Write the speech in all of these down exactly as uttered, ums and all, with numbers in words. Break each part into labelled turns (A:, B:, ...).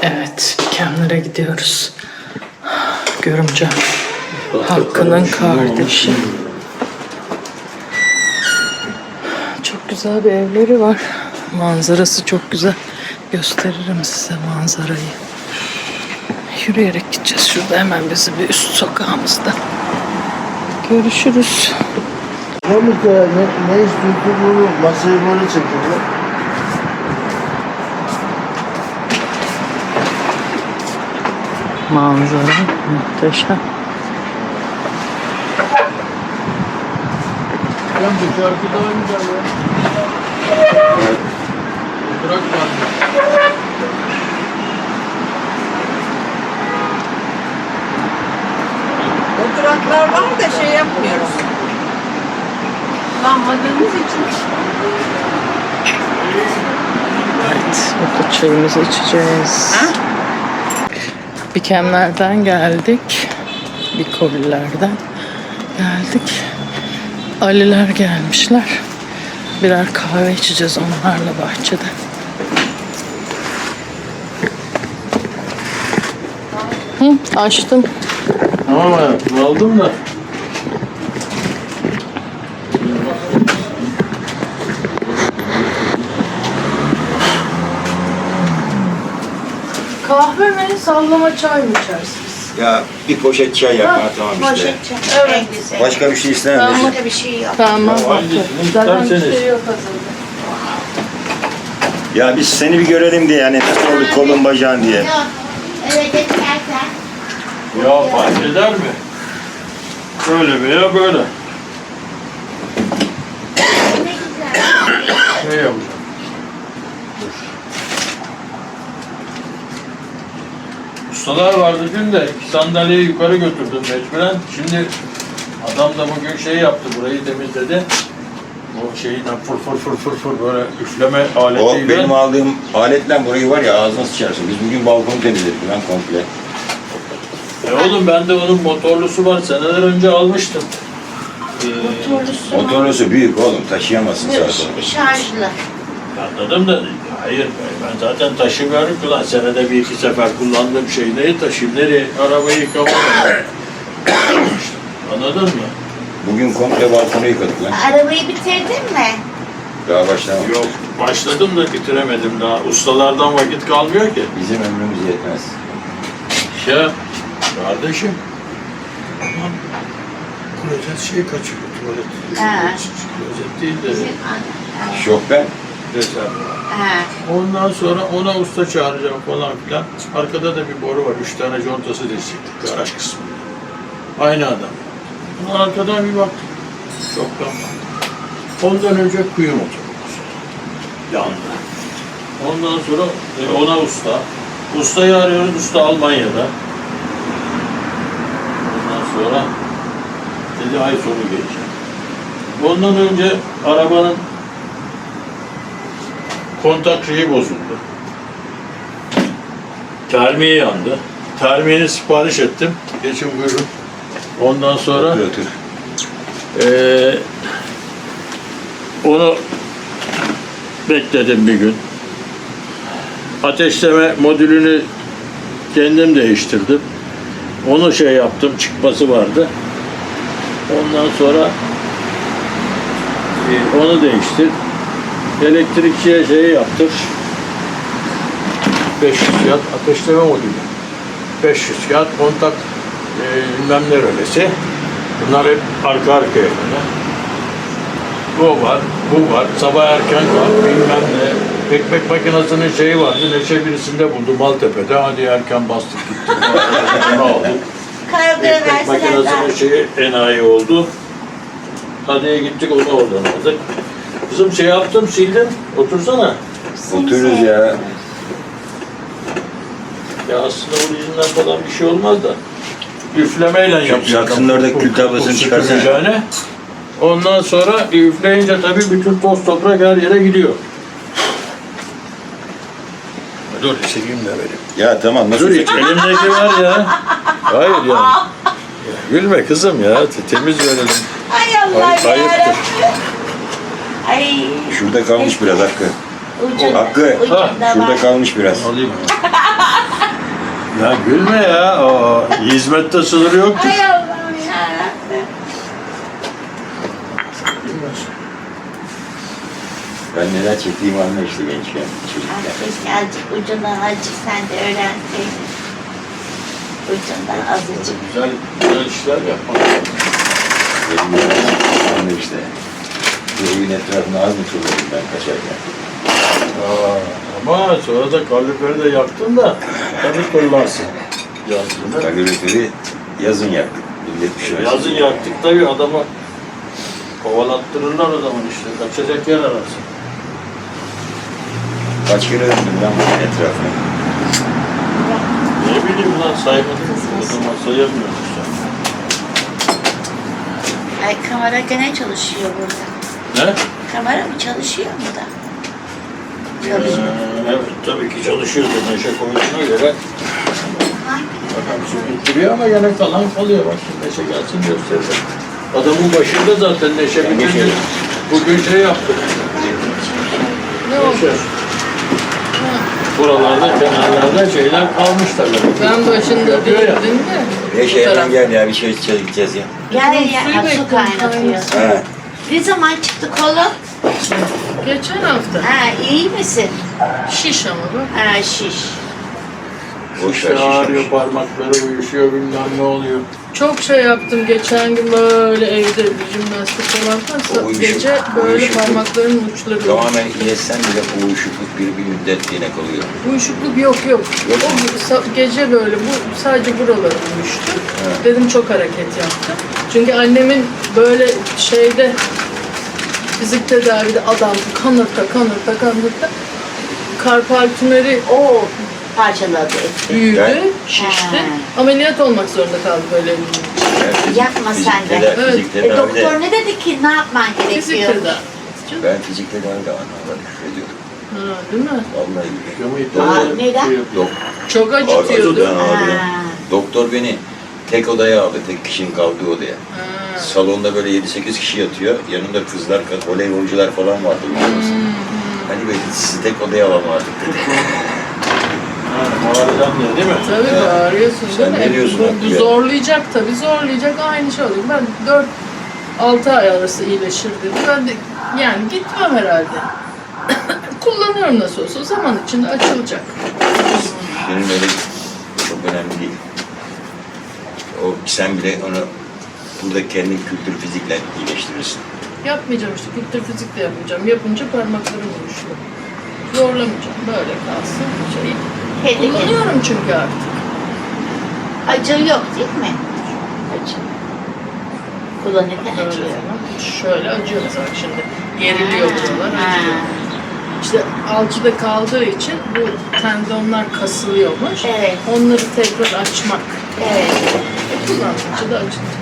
A: Evet, Kemler'e gidiyoruz. Görümce Hakkı'nın kardeşi. Çok güzel bir evleri var. Manzarası çok güzel. Gösteririm size manzarayı. Yürüyerek gideceğiz. Şurada hemen bizim bir üst sokağımızda. Görüşürüz.
B: Ne, ne istiyorsun bunu? Masayı böyle çekiyor.
A: Manzara muhteşem.
C: Ben bu şarkı daha güzel ya. Bırak var.
D: Oturaklar var da şey yapmıyoruz. Kullanmadığımız için.
A: Evet, burada çayımızı içeceğiz.
D: Ha?
A: Bikemlerden geldik. Bikollerden geldik. Aliler gelmişler. Birer kahve içeceğiz onlarla bahçede. Hı, açtım.
C: Tamam hayatım, aldım da.
A: Kahve mi, sallama çay mı içersiniz?
E: Ya bir poşet çay yap. Ha, tamam işte.
D: Poşet çay.
A: Evet.
D: En güzel.
E: Başka bir şey istemem.
A: Tamam.
D: Başka bir şey yok.
A: Tamam.
C: Ya, hangisini
A: Zaten bir
C: isterseniz.
A: şey yok hazırda.
E: Ya biz seni bir görelim diye yani nasıl oldu kolun bacağın diye.
D: Yok. Eve geçerken.
C: Ya fark eder mi? Böyle veya böyle.
D: Ne güzel.
C: Ne yapacağım? Ustalar vardı dün de iki sandalyeyi yukarı götürdüm mecburen. Şimdi adam da bugün şey yaptı, burayı temizledi. O şeyinden fır fır fır fır fır böyle üfleme
E: O
C: aletiyle.
E: benim aldığım aletle burayı var ya ağzına sıçarsın. Biz bugün balkonu temizledik lan komple.
C: E oğlum bende onun motorlusu var, seneler önce almıştım. Ee,
D: Motorlusu mu?
E: Motorlusu büyük oğlum taşıyamazsın sağa sola.
D: Şarjlı.
C: Anladım da hayır ben zaten taşımıyorum ki lan senede bir iki sefer kullandığım şeyi neyi taşıyayım, nereye arabayı yıkamam. Anladın mı?
E: Bugün komple balkonu yıkadık lan.
D: Arabayı bitirdin mi?
E: Daha başlamadık.
C: Yok başladım da bitiremedim daha. Ustalardan vakit kalmıyor ki.
E: Bizim ömrümüz yetmez.
C: Ya kardeşim. Aman klozet şey kaçıyor tuvalet.
D: Ha.
C: Klozet değil de
D: Bizim anne.
E: Şofben.
C: rezervuar.
D: Ha.
C: Ondan sonra ona usta çağıracağım falan filan. Arkada da bir boru var. Üç tane contası destekli. Garaj kısmında. Aynı adam. Ama arkadan bir baktım. Çoktan baktım. Ondan önce kuyu motorumuz. Yandı. Ondan sonra e, ona usta. Ustayı arıyoruz. Usta Almanya'da. Ondan sonra dedi ay sonu geleceğim. Ondan önce arabanın kontak şeyi bozuldu. Termiği yandı. Termiğini sipariş ettim. Geçin buyurun. Ondan sonra
E: Otur otur.
C: eee onu bekledim bir gün. Ateşleme modülünü kendim değiştirdim. Onu şey yaptım, çıkması vardı. Ondan sonra e, onu değiştir. Elektrikçiye şeyi yaptır. beş yüz kağıt ateşleme modülü. beş yüz kağıt kontak e, bilmem ne rölesi. Bunlar hep arka arkaya böyle. O var, bu var, sabah erken var, bilmem ne. Ekmek makinesinin şeyi vardı, Neşe birisinde buldu Maltepe'de. Hadi erken bastık gittik. Ne oldu?
D: Kargoya
C: Ekmek
D: verseler daha.
C: makinesinin şeyi enayi oldu. Hadi gittik onu oradan aldık. Kızım şey yaptım, sildim. Otursana.
E: Otururuz ya.
C: Ya aslında orijinden falan bir şey olmaz da. Üflemeyle yapacak.
E: yaksınlar da kül tablasını çıkarsana.
C: çıkarsana. Ondan sonra üfleyince tabii bütün toz toprak her yere gidiyor. Dur çekeyim de vereyim.
E: Ya tamam nasıl
C: Dur
E: çekeyim?
C: elimdeki var ya. Hayır yani. Ya, gülme kızım ya. Temiz verelim.
D: Ay Allah
C: Ay- ayıptır.
D: yarabbim. Ay.
E: Şurada kalmış biraz Hakkı.
D: Ucunda,
E: Hakkı.
D: ucunda
C: Ha,
D: var.
E: Şurada kalmış biraz.
C: Alayım. Ya gülme ya. O hizmette sınır yoktur.
D: Ay Allah'ım yarabbim.
E: Ben neler çektiğimi anla işte gençken,
D: Ay,
E: çocukken.
D: keşke azıcık ucundan azıcık sen de öğrenseydin. Ucundan azıcık.
C: Güzel, güzel işler yapmak.
E: Benim neler çektiğimi anla işte. Bu evin etrafına az mı turladım ben kaçarken?
C: Aa, ama sonra da kaloriferi de yaktın da tabii kullansın. Yazdığını.
E: Kaloriferi yazın yaktık. Millet bir şey
C: Yazın yaktık tabii adamı kovalattırırlar o zaman işte. Kaçacak yer ararsın.
E: Kaç kere döndüm ben bunun etrafına.
C: Ne bileyim lan saymadım. O zaman sayamıyoruz sen.
D: Ay kamera gene çalışıyor burada.
C: Ne?
D: Kamera mı çalışıyor mu da?
C: Ee, evet tabii ki çalışıyordu. Neşe koyduğuna göre bakalım şimdi bittiriyor ama yine kalan kalıyor. Bak şimdi Neşe gelsin gösterir. Adamın başında zaten Neşe bir
E: Neşe.
C: gün bugün şey yaptı.
A: Ne oldu?
C: Neşe. Buralarda kenarlarda şeyler kalmış tabii.
A: Ben başında
C: Yapıyor ya.
A: değildim de.
E: Neşe
A: bu taraf.
E: hemen gel ya bir şey içeceğiz gideceğiz ya.
D: Gel
A: Suyu
D: ya, ha, su
A: bekliyorum,
D: kaynatıyor.
E: Ha.
D: Ne zaman çıktı kolun?
A: Geçen hafta.
D: Ha, iyi misin?
A: Şiş ama bak.
D: Ha, şiş.
E: Boş ver
C: İşte ağrıyor,
E: şişmiş.
C: parmakları uyuşuyor, bilmem ne oluyor.
A: Çok şey yaptım geçen gün böyle evde bir jimnastik falan varsa
E: O uyuşuk-
A: gece böyle
E: uyuşukluk.
A: parmaklarımın uçları
E: Tamamen iyileşsen bile bu uyuşukluk bir, bir müddet yine kalıyor.
A: uyuşukluk yok yok.
E: Yok
A: O
E: mu?
A: sa- gece böyle bu sadece buraları uyuştu.
E: Evet.
A: Dedim çok hareket yaptım. Çünkü annemin böyle şeyde fizik tedavide adam kanırta kanırta kanırta karpal tümörü
D: O parçaladı etti.
A: büyüdü,
E: Ben-
A: şişti.
D: Ha.
A: Ameliyat olmak zorunda kaldı böyle.
E: Yani fizik-
D: Yapma
E: fizik
D: sen de.
E: teda-
A: Evet.
E: Fizik
D: E,
E: tedavide,
D: doktor ne dedi ki ne yapman
A: Fizik
D: gerekiyor?
A: tedavi.
E: ben fizik tedavide anlamda küfür ediyordum.
A: Ha, değil mi?
E: Vallahi billahi.
C: Ama
D: Aa, neden?
E: Dok
A: Çok
E: Acıdı
A: acıtıyordu.
E: ben ağrıyor.
D: Ha.
E: Doktor beni tek odaya aldı, tek kişinin kaldığı odaya.
A: Ha.
E: Salonda böyle yedi sekiz kişi yatıyor. Yanında kızlar, voleybolcular falan vardı. biliyor musun? Hani böyle sizi tek odaya alalım artık dedi.
C: Yani ağrıdan ne değil mi?
A: Tabii
E: Ya,
A: bağırıyorsun
E: sen
A: değil mi?
E: ne diyorsun
A: Bu,
E: haklı
A: bu
E: ya?
A: zorlayacak tabii, zorlayacak aynı şey oluyor. Ben dört altı ay arası iyileşir dedi. Ben de yani gitmem herhalde. Kullanıyorum nasıl olsa, zaman içinde açılacak.
E: Benim öyle çok önemli değil. O sen bile onu burada kendin kültür fizikle iyileştirirsin.
A: Yapmayacağım işte, kültür fizik de yapmayacağım. Yapınca parmaklarım uyuşuyor. Zorlamayacağım, böyle kalsın. Şey.
D: Peki.
A: Kullanıyorum çünkü artık.
D: Acı yok değil mi? Acı. Kullanırken
A: Böyle
D: acıyor.
A: zaman. Şöyle acıyor mesela bak şimdi. Geriliyor buralar,
D: Ha.
A: acıyor. İşte alçıda kaldığı için bu tendonlar kasılıyormuş.
D: Evet.
A: Onları tekrar açmak.
D: Evet.
A: Kullandıkça da acıtıyor.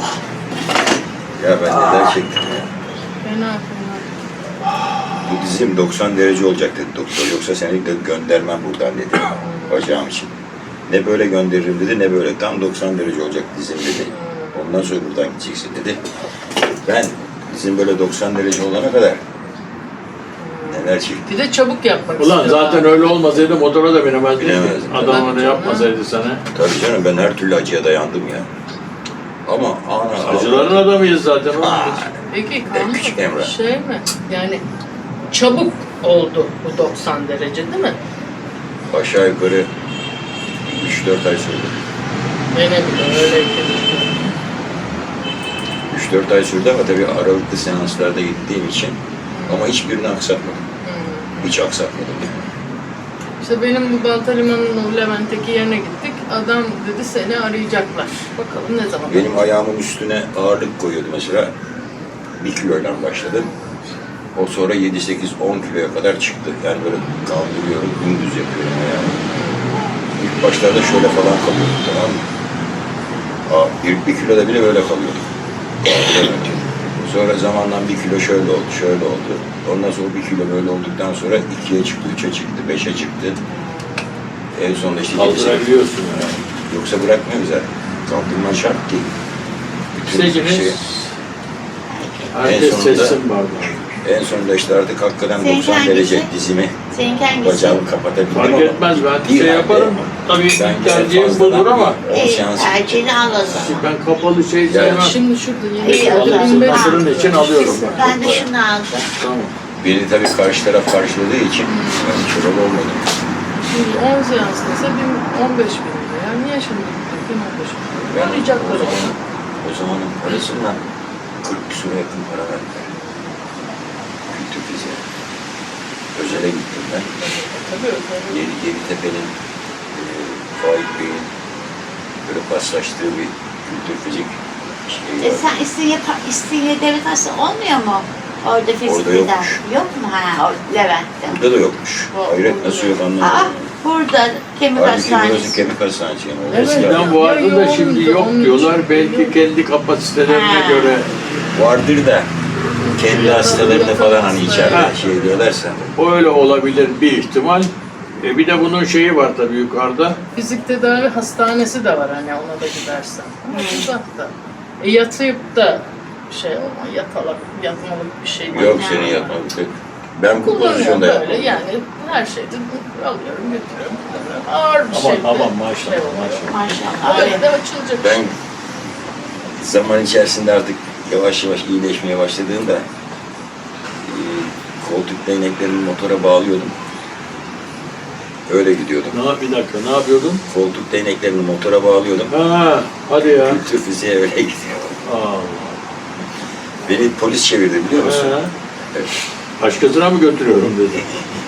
E: Ya ben neler çektim ya.
A: Fena fena.
E: Bu dizim doksan derece olacak dedi doktor. Yoksa seni de göndermem buradan dedi. Bacağım için. Ne böyle gönderirim dedi ne böyle. Tam doksan derece olacak dizim dedi. Ondan sonra buradan gideceksin dedi. Ben dizim böyle doksan derece olana kadar neler çektim.
A: Bir de çabuk yapmak
C: Ulan
A: istiyor
C: zaten
A: abi.
C: öyle olmasaydı motora da binemezdin.
E: Binemezdim.
C: Adam onu
A: Tabii
C: yapmasaydı sana.
E: Tabii canım ben her türlü acıya dayandım ya. Ama ana
C: Acıların adamıyız zaten. oğlum biz.
A: Peki
E: En küçük
A: kanka
E: Emrah.
A: şey mi? Yani çabuk oldu bu doksan derece değil mi?
E: aşağı yukarı üç dört ay sürdü.
A: Benim de öyleydi.
E: üç dört ay sürdü ama tabii aralıklı seanslarda gittiğim için ama hiçbirini aksatmadım.
A: Hmm.
E: Hiç aksatmadım yani.
A: İşte benim bu Baltaliman'ın o Levent'teki yerine gittik. Adam dedi seni arayacaklar. Bakalım ne zaman.
E: Benim ayağımın üstüne ağırlık koyuyordu mesela. Bir kiloyla başladım. O sonra yedi sekiz on kiloya kadar çıktı. Yani böyle kaldırıyorum, dümdüz yapıyorum ayağımı. İlk başlarda şöyle falan kalıyordum, tamam mı? Aa, ilk bir kiloda bile böyle kalıyordum. Kaldıramıyordum. Sonra zamanla bir kilo şöyle oldu, şöyle oldu. Ondan sonra bir kilo böyle olduktan sonra ikiye çıktı, üçe çıktı, beşe çıktı. En sonunda işte yedi sekiz.
C: Kaldırabiliyorsun yani.
E: Yoksa bırakmıyoruz zaten. Kaldırman şart değil. Bütün
C: Seçiniz.
E: şey-
C: Herkes
E: En sonunda-
C: seçsin bardağı.
E: En sonunda işte artık hakikaten
D: Seninki
E: doksan
D: hangisi?
E: derece dizimi,
D: Seninki hangisi?
E: bacağımı kapatabildim
C: Fark
E: ama
C: etmez ben
E: bir
C: şey
E: halde
C: yaparım. tabii
E: Ben
C: ilk tercihim
E: fazladan
C: budur ama
E: on
D: İyi,
E: seans
D: tercihini al o zaman.
C: ben kapalı şey sevmem.
A: Şimdi şurada
D: İyi,
A: yeni
D: o zaman.
A: bin beş
C: Hatırın
A: yüz
C: için
A: lira.
C: alıyorum ben.
D: Ben de şunu aldım.
C: Tamam.
E: beni tabii karşı taraf karşıladığı için ben çoral olmadım.
A: Şimdi on seans dese bin, on beş bin lira. Yani niye şimdi bin on beş bin lira?
E: Ben o
A: Arayacaklar onu.
E: zamanın, o zamanın parasından kırk küsura yakın para verdiler. Kültür fiziğe. Özele gittim ben.
A: Tabii öyle.
E: Yedi, Yeditepe'nin e, Faik Bey'in böyle paslaştığı bir kültür fizik şeyi
D: E
E: var.
D: sen İstinye, İstinye Devlet Hastanesi olmuyor mu? Orada fizik
E: Orada
D: tedavi.
E: yokmuş.
D: Yok mu? Ha, o Levent'te.
E: Burada da yokmuş. Hayret nasıl yok
D: Aa,
E: anlamadım.
D: burada kemik
E: Halbuki burası
D: hastanesi.
E: kemik hastanesi yani.
A: Evet.
E: Orası
C: Eskiden
A: Ya
C: vardı da şimdi
A: yoğundu,
C: yok
A: onun
C: diyorlar.
A: için
C: Belki
A: yok.
C: kendi kapasitelerine
D: Ha.
C: göre
E: vardır da kendi
A: Yatalım,
E: hastalarını falan hani
A: yatalım
E: içeride
C: Ha.
E: şey diyorlarsa.
C: o öyle olabilir bir ihtimal. E bir de bunun şeyi var tabii yukarıda.
A: Fizik tedavi hastanesi de var hani ona da gidersen. Ama uzakta. E, yatıp da şey olma, yatalak, yatmalık bir şey değil.
E: Yok senin yatmadık yok. Ben bu
A: Kullanıyorum
E: pozisyonda
A: böyle
E: yapmadım.
A: yani her şeyde alıyorum götürüyorum kullanıyorum. Ağır bir
C: Aman,
A: şey.
C: aman, maşallah,
A: şey oluyor.
D: Maşallah.
A: Böyle de açılacak.
E: Ben zaman içerisinde artık yavaş yavaş iyileşmeye başladığımda e, koltuk değneklerimi motora bağlıyordum. Öyle gidiyordum.
C: Ne yap- bir dakika ne yapıyordun?
E: Koltuk değneklerini motora bağlıyordum.
C: Ha, hadi ya.
E: Kültür fiziğe öyle gidiyordum.
C: Aa.
E: Beni polis çevirdi biliyor musun?
C: He.
E: Evet.
C: Başkasına mı götürüyorum dedi.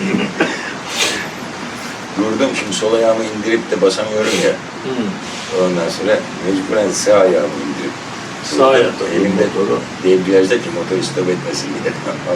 E: Durdum şimdi sol ayağımı indirip de basamıyorum ya.
C: Hı.
E: Ondan sonra mecburen sağ ayağımı indirip
C: Sağ
E: durdum.
C: ayakta
E: elimde
C: motoru.
E: debriyajdaki motor stop etmesin diye.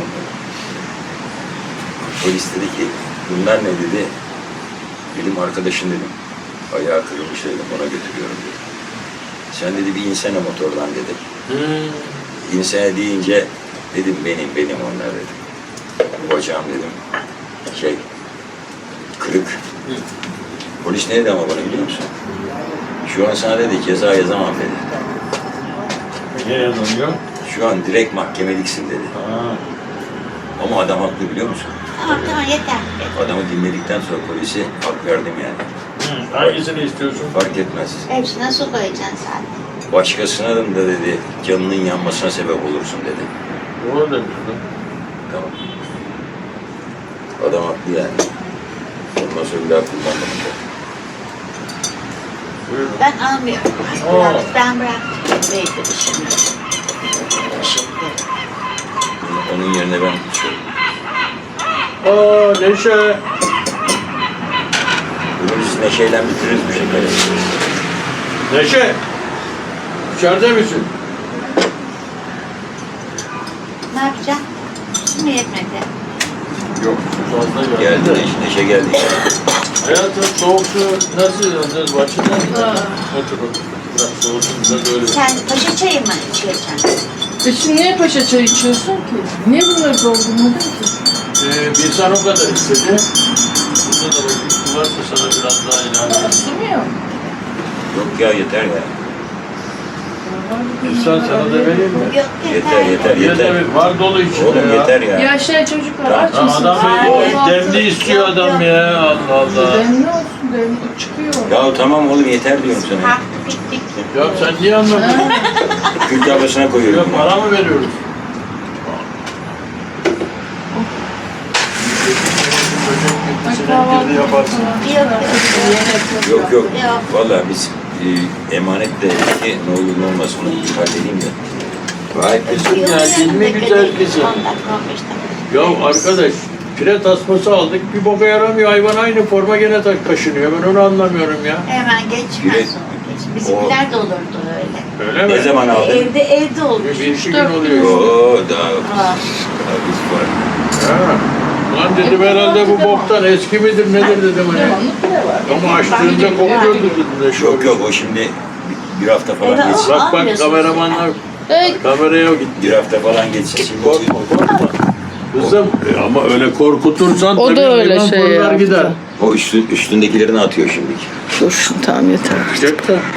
E: Polis dedi ki bunlar ne dedi? Benim arkadaşın dedim. Ayağı kırılmış dedim ona götürüyorum dedi. Sen dedi bir insene motordan dedi.
C: Hı.
E: İnsene deyince dedim benim benim onlar dedim. Bu bacağım dedim. Şey kırık. Polis ne dedi ama bana biliyor musun? Şu an sana dedi ceza yazamam dedi.
C: Niye yazılıyor?
E: Şu an direkt mahkemeliksin dedi.
C: Ha.
E: Ama adam haklı biliyor musun?
D: Tamam tamam yeter.
E: Adamı dinledikten sonra polisi hak verdim yani.
C: Hı. Hangisini istiyorsun?
E: Fark etmez.
D: Hepsine su koyacaksın zaten.
E: Başkasına da dedi canının yanmasına sebep olursun dedi.
C: Doğru demiştim.
E: Tamam. Adam haklı yani. Ondan sonra bir daha kullanmadım.
C: Buyurun.
D: Ben almıyorum.
C: Aa.
D: Bırak, ben bıraktım. Belki şimdi. Şimdi.
E: Onun yerine ben içiyorum.
C: Aa Neşe.
E: Bugün biz neşeyle bitiririz bu şekeri.
C: Neşe. İçeride misin?
D: Ne yapacaksın? Su mu yetmedi?
C: Yok. Fazla geldi.
E: Geldi
C: de.
E: neşe, neşe geldi.
C: Hayatım soğuk su nasıl yalnız başından mı?
A: Aa.
C: Otur otur. Biraz soğusun da böyle.
D: Sen paşa çayı mı içeceksin?
A: E şimdi niye paşa çay içiyorsun ki? Niye bunları doldurmadın ki?
C: Ee, bir insan o kadar istedi. Burada da bakayım su varsa sana biraz daha ilave edeyim.
A: Su mu yok?
E: Yok ya yeter ya.
C: İnsan sana da vereyim mi?
D: Yok
E: Yeter yeter
C: Yeter.
E: yeter.
C: Var dolu içinde
E: Oğlum
C: ya.
E: yeter ya.
A: Ya şey çocuklar
E: Tamam.
A: aç
C: Ya
A: mısın?
C: adam
D: Ay,
C: o
D: yok,
C: demli istiyor
D: yok,
C: adam
D: yok.
C: ya. Allah Allah.
A: Demli olsun demli çıkıyor.
E: Ya tamam oğlum yeter diyorum sana.
D: Ha, bittik.
C: Ya sen niye anlamıyorsun?
E: Kürk tablasına
C: Ya
E: koyuyorum.
C: para mı veriyoruz? Senin yaparsın.
D: Yok yok.
E: Yok yok.
D: Yok.
E: Vallahi biz e, emanet de ki ne olur ne olmaz onu halledeyim ya.
C: Vay kızım ya, değil mi güzel kızım?
D: on dakika on beş dakika.
C: Ya arkadaş, pire tasması aldık, bir boka yaramıyor. Hayvan aynı forma gene tak kaşınıyor. Ben onu anlamıyorum ya.
D: Hemen geçmez
E: Direkt-
D: onu. Geç. Bizimkiler de olurdu öyle.
C: Öyle mi?
E: Ne zaman aldın?
D: Evde evde olur.
C: Bir, bir iki gün
A: dört gün
C: oluyor.
E: Oo daha,
D: Aa.
E: daha biz var.
C: Ha. Lan dedim herhalde bu boktan eski midir nedir dedim hani.
A: Devamlı pire var.
C: Ama açtığında kokuyordu dedim de şu.
E: Yok yok o şimdi bir, bir hafta falan
D: Evet,
E: geçsin.
D: o-
C: Bak bak
D: Almıyorsunuz
C: kameramanlar
A: Hey,
C: kameraya git.
E: Bir hafta falan geçsin. Şimdi
C: Korkma korkma. Kızım e, ama öyle korkutursan
A: O da
C: tabii
A: öyle
C: hayvan
A: şey
C: fırlar
A: yaptı.
C: gider.
E: o üstün, üstündekilerini atıyor şimdi.
A: dur tamam yeter.
C: Çık da.